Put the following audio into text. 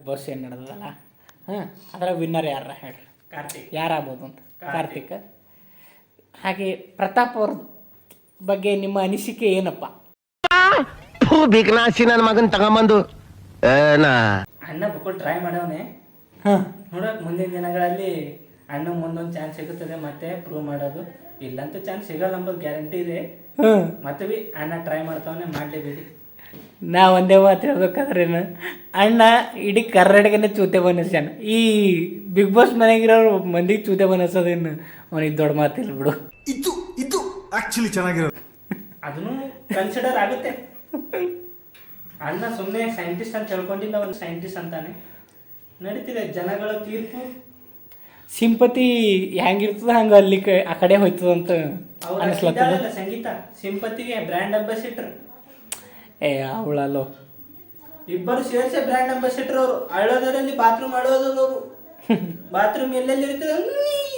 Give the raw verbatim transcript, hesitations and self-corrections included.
Boss ಏನು ನಡೆದಲ್ಲ ಹಾಂ ಅದರ ವಿನ್ನರ್ ಯಾರ ಹೇಳ್ರಿ ಕಾರ್ತಿಕ್ ಯಾರಾಗ್ಬೋದು ಅಂತ ಕಾರ್ತಿಕ್ ಹಾಗೆ ಪ್ರತಾಪ್ ಅವ್ರ ಬಗ್ಗೆ ನಿಮ್ಮ ಅನಿಸಿಕೆ ಏನಪ್ಪ? ಬಿಗ್ನಾಸಿ ನನ್ನ ಮಗನ್ ತಗೊಂಬಂದು ಅಣ್ಣ ಬುಕ್ಕೊಂಡು ಟ್ರೈ ಮಾಡವನೆ ಹಾಂ ನೋಡೋಕೆ ಮುಂದಿನ ದಿನಗಳಲ್ಲಿ ಅಣ್ಣ ಮುಂದೊಂದು ಚಾನ್ಸ್ ಸಿಗುತ್ತದೆ ಮತ್ತೆ ಪ್ರೂವ್ ಮಾಡೋದು. ಇಲ್ಲಂತೂ ಚಾನ್ಸ್ ಸಿಗಲ್ಲ ಅಂಬೋದು ಗ್ಯಾರಂಟಿ ಇದೆ. ಹ್ಞೂ ಮತ್ತೆ ಬಿ ಅಣ್ಣ ಟ್ರೈ ಮಾಡ್ತಾವನೆ ಮಾಡಲೇಬೇಡಿ. ನಾ ಒಂದೇ ಮಾತು ಹೇಳ್ಬೇಕಾದ್ರೇನು ಅಣ್ಣ ಇಡೀ ಕರ್ನಾಟಕನೇ ಚೂತೆ ಬನಸ್ಯಾನ. ಈ ಬಿಗ್ ಬಾಸ್ ಮನೆಗಿರೋರು ಮಂದಿಗೆ ಚೂತೆ ಬನಸೋದೇನು ಅವನಿಗೆ ದೊಡ್ಡ ಮಾತಿಲ್ಲ ಬಿಡು. ಇದು ಇದು ಆಕ್ಚುಲಿ ಚೆನ್ನಾಗಿರೋದು. ಅದನ್ನು ಕನ್ಸಿಡರ್ ಆಗುತ್ತೆ. ಅಣ್ಣ ಸುಮ್ಮನೆ ಸೈಂಟಿಸ್ಟ್ ಅಂತ ಹೇಳ್ಕೊಂಡಿಲ್ಲ, ಒಂದು ಸೈಂಟಿಸ್ಟ್ ಅಂತಾನೆ ನಡೀತಿದೆ. ಜನಗಳ ತೀರ್ಪು ಸಿಂಪತಿ ಹೆಂಗಿರ್ತದ ಹಂಗೆ ಅಲ್ಲಿ ಕ- ಆ ಕಡೆ ಹೋಯ್ತದಂತ ಅನಿಸ್ಲತ್ತದ. ಇದ್ದಾಳಲ್ಲ ಸಂಗೀತ, ಸಿಂಪತಿಗೆ ಬ್ರ್ಯಾಂಡ್ ಅಂಬಾಸಿಡರ್. ಏ ಅವಳಲ್ಲೋ ಇಬ್ಬರು ಸೇರಿಸಿ ಬ್ರ್ಯಾಂಡ್ ಅಂಬಾಸಿಡರ್ ಅವರು. ಅಳೋದರಲ್ಲಿ ಬಾತ್ರೂಮ್ ಅಳೋದವರು. ಬಾತ್ರೂಮ್ ಎಲ್ಲೆಲ್ಲಿ ಇರ್ತದೆ